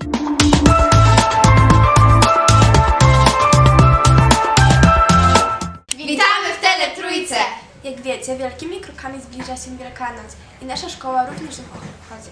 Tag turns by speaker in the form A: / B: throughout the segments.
A: Witamy w Teletrójce!
B: Jak wiecie, wielkimi krokami zbliża się Wielkanoc i nasza szkoła również ją obchodzi.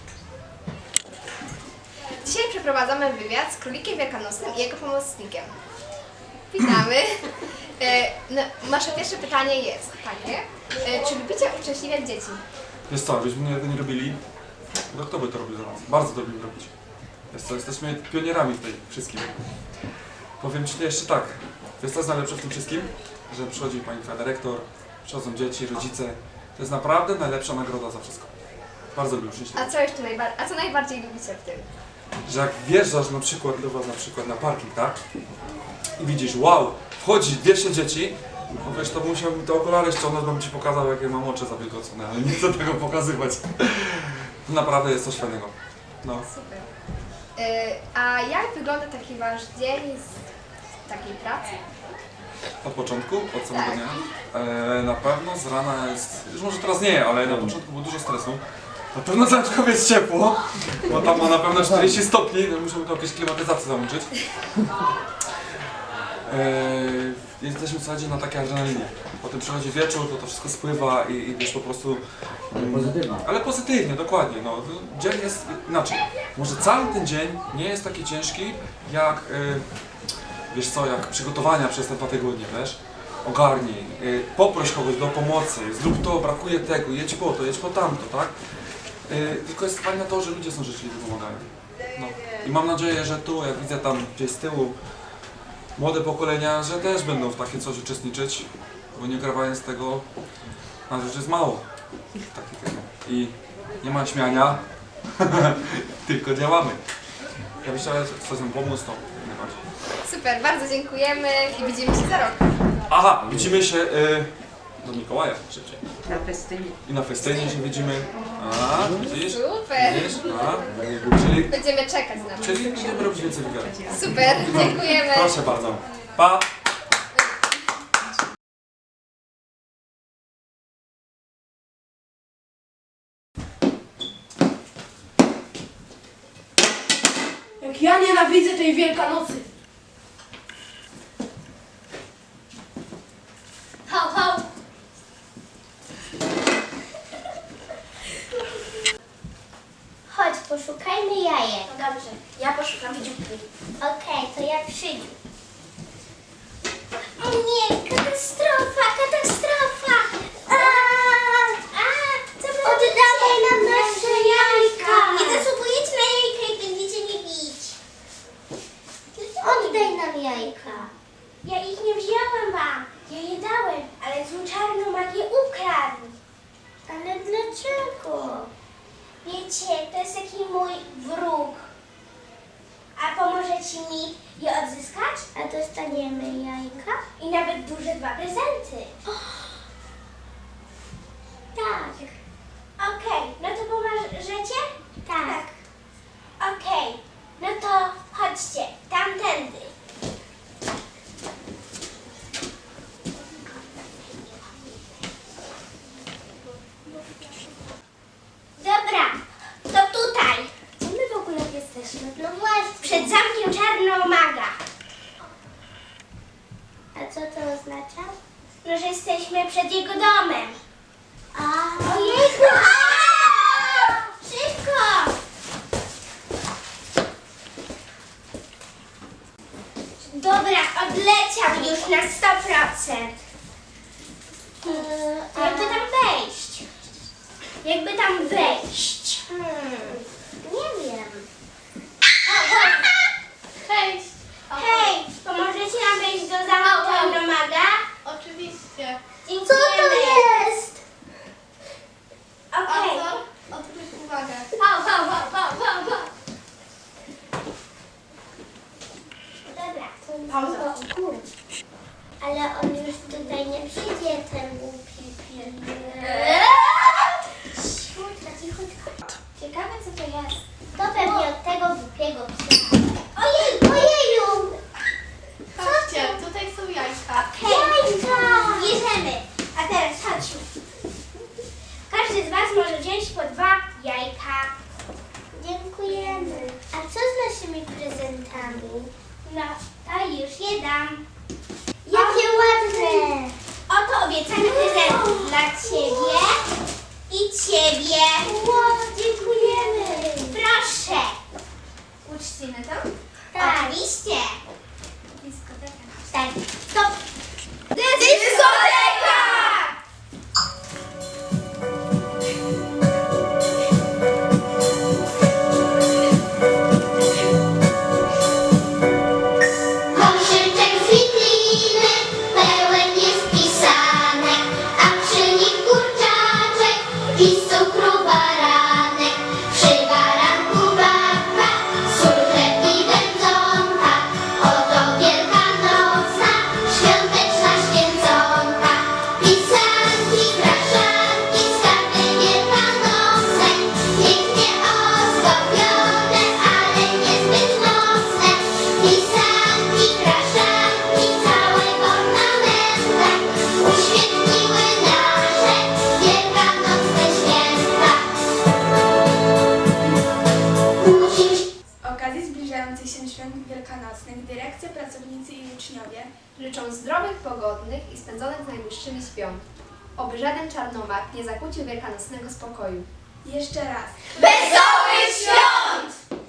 A: Dzisiaj przeprowadzamy wywiad z królikiem wielkanocnym i jego pomocnikiem. Witamy. Nasze pierwsze pytanie jest takie, czy lubicie uszczęśliwiać dzieci?
C: Wiesz co, byśmy tego nie robili, no kto by to robił za nas? Bardzo to lubimy robić. Wiesz co, jesteśmy pionierami w tej wszystkim. Powiem Ci jeszcze tak, wiesz co jest najlepsze w tym wszystkim? Że przychodzi pani dyrektor, przychodzą dzieci, rodzice. To jest naprawdę najlepsza nagroda za wszystko. Bardzo lubię uczęśliwiać.
A: A co najbardziej lubicie w tym?
C: Że jak wjeżdżasz na przykład do was na parking, tak? I widzisz, wow, wchodzi 200 dzieci, no wiesz, to musiałbym te okulary ściągnąć, bym Ci pokazał, jakie mam oczy zawilgocone, ale nie chcę tego pokazywać. Naprawdę jest coś fajnego. No.
A: Super. A jak wygląda taki Wasz dzień z takiej pracy?
C: Od początku, od samego
A: Tak.
C: dnia. Na pewno z rana jest, już może teraz nie, ale na początku było dużo stresu. Na pewno Zajączkowie jest ciepło, bo tam ma na pewno 40 stopni, no muszę to jakieś klimatyzację załączyć. Jesteśmy w zasadzie na takiej adrenalinie. Potem przychodzi wieczór, to wszystko spływa i wiesz po prostu...
D: Pozytywnie.
C: Ale pozytywnie, dokładnie. No. Dzień jest inaczej. Może cały ten dzień nie jest taki ciężki jak, wiesz co, jak przygotowania przez te 2 tygodnie, wiesz? Ogarnij, poproś kogoś do pomocy, zrób to, brakuje tego, jedź po tamto, tak? Tylko jest fajne to, że ludzie są życzliwi, pomagają. No. I mam nadzieję, że tu, jak widzę tam gdzieś z tyłu, młode pokolenia, że też będą w takie coś uczestniczyć, bo nie grawając tego, na rzecz jest mało. Takiego. I nie ma śmiania, tylko działamy. Ja bym chciał coś nam pomóc, to najbardziej.
A: Super, bardzo dziękujemy i widzimy się za rok.
C: Aha, widzimy się do Mikołaja szybciej.
E: Na festynie.
C: I na festynie się widzimy. A, widzisz?
A: Super.
C: Widzisz? A,
A: Będziemy czekać na to.
C: czyli będziemy robić więcej wywiadów.
A: Super, dziękujemy.
C: Proszę bardzo. Pa!
B: Jak ja nienawidzę tej Wielkanocy!
A: Ho, ho.
F: Chodź, poszukajmy jajek.
B: Dobrze, ja poszukam dzióbki.
F: Okej, to ja przyjdę. O nie, katastrofa, katastrofa! Oddawaj nam nasze jajka! Nie zasługujecie na jajka i będziecie mnie bić. Oddaj nam jajka. Ja ich nie wzięłam wam. Ja je dałem, ale złą czarną magię ukradł. Ale dlaczego? Wiecie, to jest taki mój wróg. A pomożecie mi je odzyskać? A dostaniemy jajka? I nawet duże 2 prezenty. Tak. Okej, no to pomożecie? Tak. Okej, no to chodźcie, tamtędy. Dobra, to tutaj. Gdzie my w ogóle jesteśmy? No właśnie. Przed zamkiem Czarnomaga. A co to oznacza? No, że jesteśmy przed jego domem. Ojejku! Szybko! Dobra, odleciał już na 100%. Jakby tam wejść? Jakby tam wejść? Nie wiem.
A: Cześć.
F: Hej, pomożecie nam wejść do zamku Czarnomaga?
A: Oczywiście.
F: Dziękujemy. Co to jest? Okej.
A: Odwróć uwagę.
F: Dobra. Pauza. Ale on już tutaj nie przyjdzie, ten głupi pies. Cichutko, cichutko. Ciekawe co to jest. To pewnie od tego głupiego psa. Ojej, ojeju!
A: Chodźcie, tutaj są jajka.
F: Jajka! Bierzemy. A teraz chodźmy. Każdy z was może wziąć po 2 jajka. Dziękujemy. A co z prezentami. No, to już je dam. Jakie ładne! Oto obiecane prezenty dla Ciebie i Ciebie. Wow, dziękujemy. Proszę.
A: Uczcimy to?
F: Tak. Oczywiście. Tak, stop.
A: Dyskoteka!
F: Koszyczek z wikliny pełen jest pisanek, a przy nich kurczaczek i z cukru baranek. Przy baranku babka, sól, chleb i wędzonka. Oto wielkanocna, świąteczna święconka. Pisanki, kraszanki, skarby wielkanocne, pięknie ozdobione, ale niezbyt mocne. Pisanki, kraszanki, całe w ornamentach uświetniły nasze wielkanocne święta. Musimy
B: Z okazji zbliżających się świąt wielkanocnych dyrekcja, pracownicy i uczniowie
A: Życzą zdrowych, pogodnych i spędzonych z najbliższymi świąt. Oby żaden czarnomak nie zakłócił wielkanocnego spokoju.
B: jeszcze raz
A: Wesołych świąt!